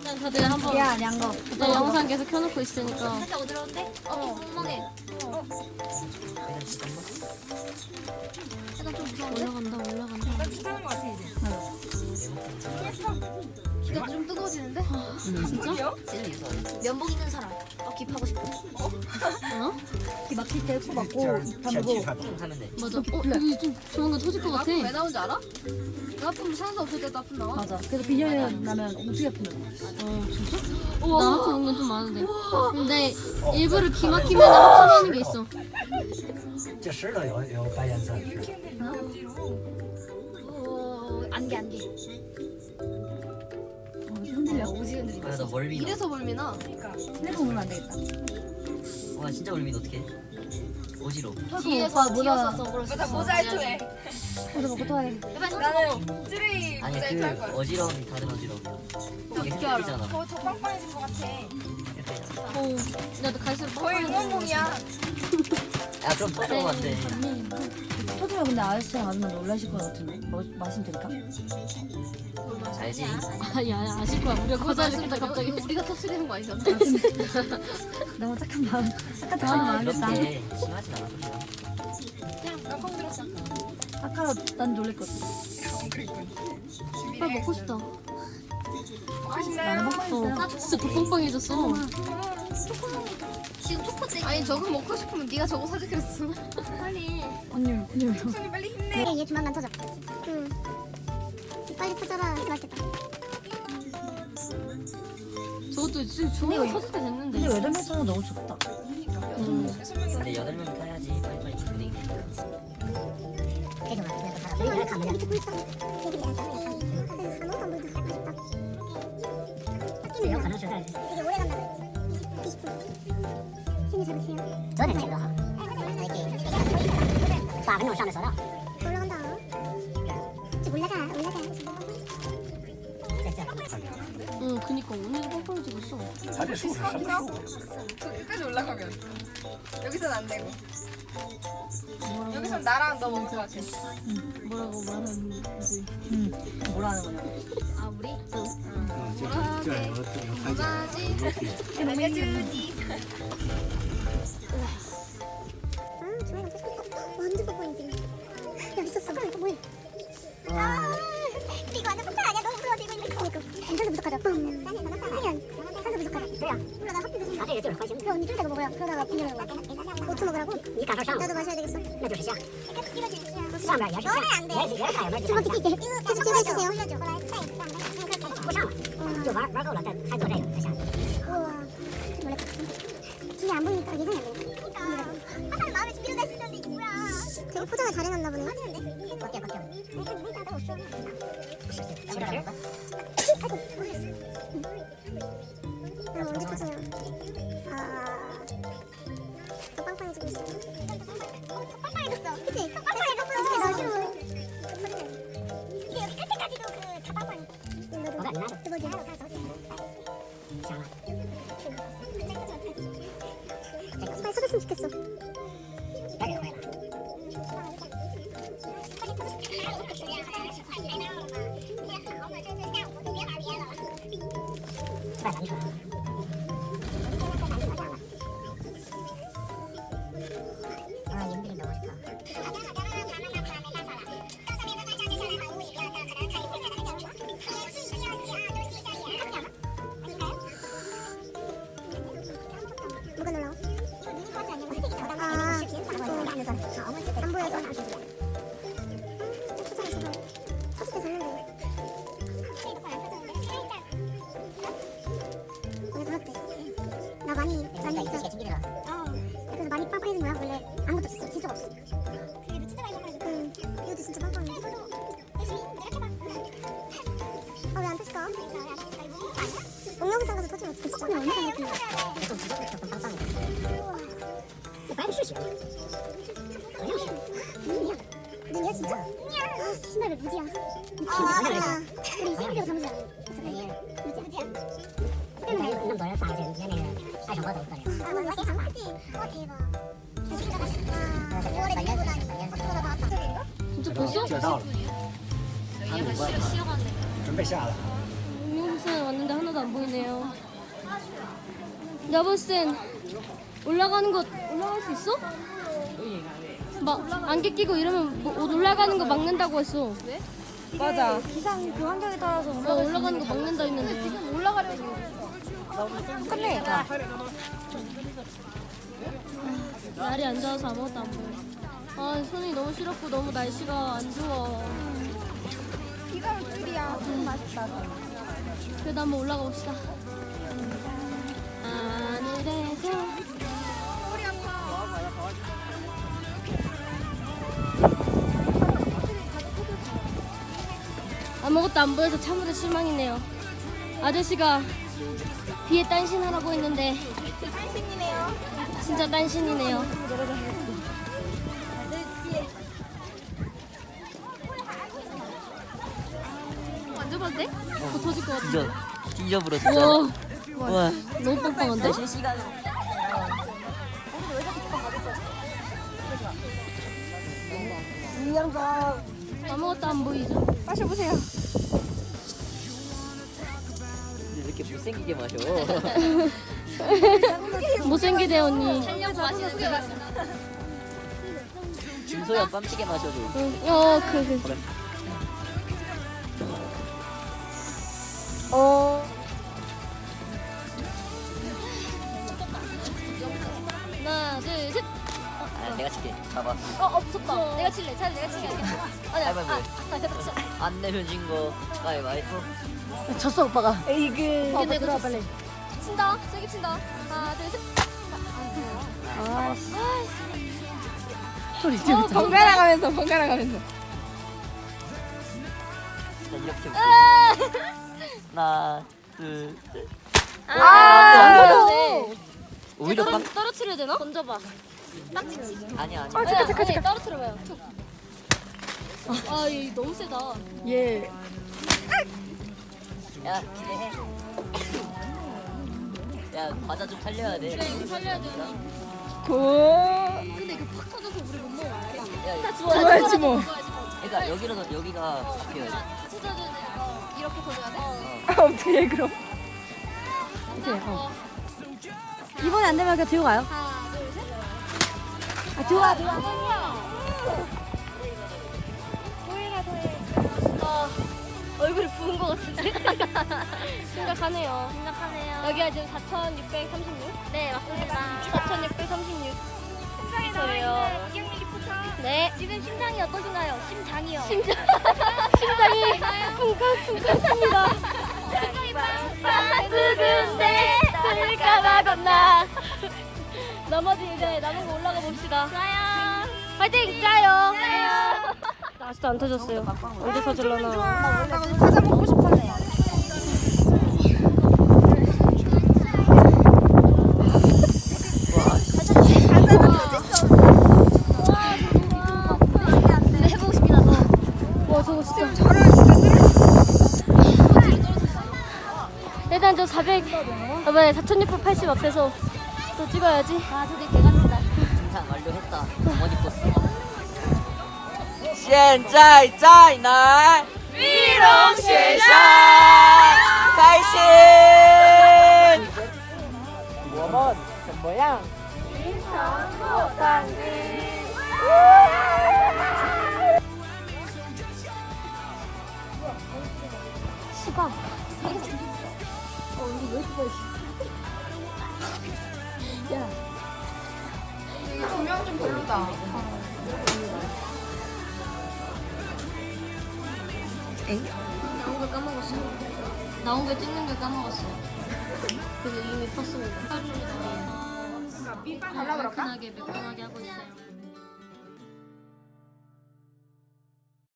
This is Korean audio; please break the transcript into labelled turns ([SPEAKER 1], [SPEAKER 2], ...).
[SPEAKER 1] 그냥 다들 한번
[SPEAKER 2] 야, 냥거.
[SPEAKER 1] 내 영상 계속 켜놓고 있으니까.
[SPEAKER 3] 살짝 어지러운데? 멍멍해. 약간 좀 무서운데?
[SPEAKER 1] 올라간다.
[SPEAKER 4] 나 귀찮은 거 같아 이제.
[SPEAKER 3] 귀가 좀 뜨거워지는데?
[SPEAKER 1] 진짜?
[SPEAKER 3] 면복 있는 사람. 귀파고 싶어.
[SPEAKER 2] 귀 막힐 때 코 막고 담고.
[SPEAKER 1] 맞아. 여기 좀 조만간 터질 것 같아.
[SPEAKER 3] 왜 나온지 알아? 그 아픔 상관없 없을 때도 아픔 나와.
[SPEAKER 2] 맞아. 그래서 빈혈 나면 엄청 아픈데.
[SPEAKER 1] 진짜? 나한테 온 건 좀 많은데. 근데 일부러 귀 막히면 합쳐놓는 게 있어.
[SPEAKER 5] 这石头有白颜色，是。
[SPEAKER 3] 안개.
[SPEAKER 2] 흔들려.
[SPEAKER 3] 오지 흔들리고.
[SPEAKER 6] 아, 나 멀미.
[SPEAKER 3] 이래서 멀미나.
[SPEAKER 2] 핸드폰 보면 안 되겠다.
[SPEAKER 6] 와 진짜 멀미 어떡해? 어지러워.
[SPEAKER 3] 뒤에서
[SPEAKER 2] 뭐다.
[SPEAKER 3] 그럴 수
[SPEAKER 4] 맞아
[SPEAKER 3] 있어.
[SPEAKER 4] 모자이크해.
[SPEAKER 2] 어제 먹고 또 해.
[SPEAKER 4] 나는 쯔레이
[SPEAKER 6] 아니
[SPEAKER 4] 모자이크 할 거야.
[SPEAKER 6] 그 어지러움이 다른 어지러움. 이게
[SPEAKER 3] 어떻게 알아?
[SPEAKER 6] 헷갈리잖아.
[SPEAKER 4] 더 빵빵해진 것 같아.
[SPEAKER 1] 나도 갈수록
[SPEAKER 4] 거의 응원봉이야.
[SPEAKER 6] 야 그럼 터져면 안 돼.
[SPEAKER 2] 터지면 근데 아저씨랑 아줌마 놀라실 것 같은데. 뭐 마시면 될까?
[SPEAKER 6] 알지?
[SPEAKER 1] 아야 아실 거야. 우리가 거절했다 갑자기.
[SPEAKER 3] 우리가 터트리는 거 아니잖아.
[SPEAKER 2] 너무 착한 마음. 착한 마음이었다.
[SPEAKER 6] 그렇게 심하진 않아. 소리가.
[SPEAKER 4] 나콩 들었어.
[SPEAKER 2] 아까 난 놀랬거든.
[SPEAKER 1] 빨리 먹고 싶다.
[SPEAKER 4] 맛있나요?
[SPEAKER 2] 나
[SPEAKER 1] 진짜 더 빵빵해졌어.
[SPEAKER 3] 지금 초코쟁이. 아니 저거 먹고 싶으면 네가 저거 사지 그랬어. 빨리.
[SPEAKER 2] 언니
[SPEAKER 4] 손이 빨리 힘내.
[SPEAKER 7] 얘 조만간 터져. 응. 빨리 터져라. 맛있겠다.
[SPEAKER 1] 저것도 지금 좋은 거 터질 때
[SPEAKER 2] 근데
[SPEAKER 1] 됐는데.
[SPEAKER 2] 8명이서 너무 좋다.
[SPEAKER 6] 근데 8명 타야지 빨리빨리 분위기 되니까.
[SPEAKER 7] 계속 가. 그래서 우리 가면 밑에 보니까 되게 약간 아무것도 안 보이고 아쉽다. 학기는 되게 오래 간다. 20분. 신이 잡으세요. 저는 지금 이렇게 8分钟上的时候 올라간다. 좀 올라가.
[SPEAKER 1] 응, 그니까 오늘도 빵빵해지고 있어.
[SPEAKER 5] 它这树是什么树？
[SPEAKER 4] 저 끝까지 올라가면 여기선 안 되고. 여기선 나랑 너 먹을 것 같아.
[SPEAKER 1] 뭐라고 말하는지.
[SPEAKER 2] 뭐라 하는 거냐.
[SPEAKER 3] 아 우리?
[SPEAKER 5] 这有台阶。
[SPEAKER 4] 알려주지.
[SPEAKER 7] 아, 좋아요. 완전 뽀뽀이지. 야, 미쳤어. 이거 뭐야? 아, 이거 완전 폭탄 아니야? 너무 무서워 지금. 그러니까. 산소 부족하죠. 뿜. 수면. 산소 부족하죠. 뭐야? 몰라, 나 커피 드시면. 그래, 언니 좀 이따가 먹어요. 그러다가 빈혈 오고. 5초 먹으라고? 나도 마셔야 되겠어. 上面也是下，这么低，계속 찍어주세요.不上了，就玩够了，还做这个，再下。우와, 놀랬다. 뒤에 안 보이니까 예상이 안 되네. 항상 마음에 준비를 할 수 있었는데 이게 뭐야? 되게 포장을 잘 해놨나 보네. 꺾여. 아이고, 언제 포장이야? 더 빵빵해지고 있어. 빵빵해졌어. 그치? 빵빵해졌어. 나 싫어. 이게 여기 끝에까지도 다 빵빵해. 너도 대박이야. 빨리 서줬으면 좋겠어. 뭐가 놀라워? 안 보여서 터질 때 잤는데 오늘 그렇대. 나 많이 있어. 그래서 많이 빵빵해진 거야. 원래 아무것도 없었어. 진짜 없어. 그게 진짜 많이 빵빵해져. 응. 이것도 진짜 빵빵해. 왜 안 터질까? 옥명산 가서 터지면 어떡해. 진짜 얼마나 터져. 눈이야 진짜? 아 신발 왜 무지야? 미치겠다. 우리 생일이라고 담으자. 무지야.那么多人发现连那个爱上我都可以。아, 너 진짜 크지? 대박. 와, 5월에 밀보다니. 생각보다 다 왔다.
[SPEAKER 1] 진짜 벌써?
[SPEAKER 5] 这到了，
[SPEAKER 3] 얘가 싫어가는데.
[SPEAKER 5] 准备下了。
[SPEAKER 1] 용용산 왔는데 하나도 안 보이네요. 내가 봤을 땐 올라갈 수 있어? 막 안개 끼고 이러면 옷 올라가는 거 막는다고 했어.
[SPEAKER 2] 맞아. 기상 그 환경에 따라서
[SPEAKER 1] 올라가는 거 막는다 했는데.
[SPEAKER 3] 지금 올라가려고.
[SPEAKER 2] 끝내.
[SPEAKER 1] 날이 안 좋아서 아무것도 안 보여. 아 손이 너무 시렵고 너무 날씨가 안 좋아.
[SPEAKER 3] 비가 올 줄이야.
[SPEAKER 1] 그래도 한번 올라가 봅시다. 하늘에서
[SPEAKER 3] 머리 아파.
[SPEAKER 1] 아무것도 안 보여서 참으로 실망이네요. 아저씨가 비에 딴신하라고 했는데 진짜 딴신이네요.
[SPEAKER 3] 만져봐도 돼?
[SPEAKER 1] 더 터질 것 같아.
[SPEAKER 6] 뒤져버려 진짜.
[SPEAKER 1] 우와
[SPEAKER 6] 와.
[SPEAKER 1] 너무 빵빵한데?
[SPEAKER 6] 실시간으로.
[SPEAKER 1] 아무것도 안 보이죠?
[SPEAKER 3] 마셔보세요.
[SPEAKER 6] 근데 왜 이렇게 못생기게 마셔?
[SPEAKER 1] 못생기대 언니.
[SPEAKER 3] 살려고 마시는 마시는.
[SPEAKER 6] 김소연 빰찌게 마셔도.
[SPEAKER 1] 응.
[SPEAKER 6] 그래.
[SPEAKER 1] 하나 둘 셋.
[SPEAKER 6] 아, 내가 칠게. 봐봐.
[SPEAKER 1] 무섭다. 내가 칠래. 차라리 내가 칠게.
[SPEAKER 6] 가위바위보. 안 내면 진 거. 가위바위보.
[SPEAKER 2] 졌어 오빠가.
[SPEAKER 1] 이게 내가
[SPEAKER 2] 빨리.
[SPEAKER 1] 친다. 세게 친다. 하나 둘 셋.
[SPEAKER 2] 소리 지르자.
[SPEAKER 3] 번갈아 가면서 번갈아 가면서.
[SPEAKER 6] 자, 이렇게 볼게. 하나, 둘, 셋.
[SPEAKER 1] 안 돼.
[SPEAKER 6] 오히려 깜.
[SPEAKER 1] 떨어뜨려야 되나? 던져봐.
[SPEAKER 6] 아니야, 아니야.
[SPEAKER 1] 잠깐. 떨어뜨려봐요. 아, 얘 너무 세다.
[SPEAKER 2] 예.
[SPEAKER 6] 야, 기대해. 야, 과자 좀 살려야 돼.
[SPEAKER 1] 그래, 이거 살려야 돼. 근데 이거 팍 터져서 우리 못 먹어.
[SPEAKER 6] 야,
[SPEAKER 3] 좋아야지 뭐.
[SPEAKER 6] 그러니까 여기라도 여기가 잡혀야 돼.
[SPEAKER 1] 찾아줘야 돼.
[SPEAKER 3] 이렇게 돌려야 돼?
[SPEAKER 2] 어떻게 해 그럼? 이렇게. 이번에 안 되면 그냥 들고 가요.
[SPEAKER 1] 하나, 둘, 셋.
[SPEAKER 2] 아 들어와.
[SPEAKER 1] 얼굴이 부은 것 같은데? 심각하네요. 여기가 지금 4,636? 네, 맞습니다. 4,636. 심장이에요. 네. 지금 심장이 어떠신가요? 심장이요. 심장이 쿵쾅쿵쾅합니다. 누군데 들까봐 겁나. 나머지 이제 남은 거 올라가 봅시다. 좋아요. 파이팅! 짜요. 아직도 안 터졌어요. 언제 터질려나.
[SPEAKER 3] 나 과자 먹고 싶었네.
[SPEAKER 1] 근데 해보고 싶긴 하다. 와 저거 진짜.
[SPEAKER 3] 저를 진짜
[SPEAKER 1] 일단 저 400, 이번에 4,680 앞에서 또 찍어야지. 아 저기 개같다.
[SPEAKER 6] 등산 완료했다. 어머니 버스. 现在在哪？玉龙雪山，开心。我们怎么样？
[SPEAKER 1] 시간.
[SPEAKER 3] 조명 좀 별로다.
[SPEAKER 1] 나온 걸 까먹었어요. 나온 걸 찍는 걸 까먹었어요. 그래서 이미 컸습니다.
[SPEAKER 3] 갈라 그럴까?
[SPEAKER 1] 매끈하게 하고 있어요.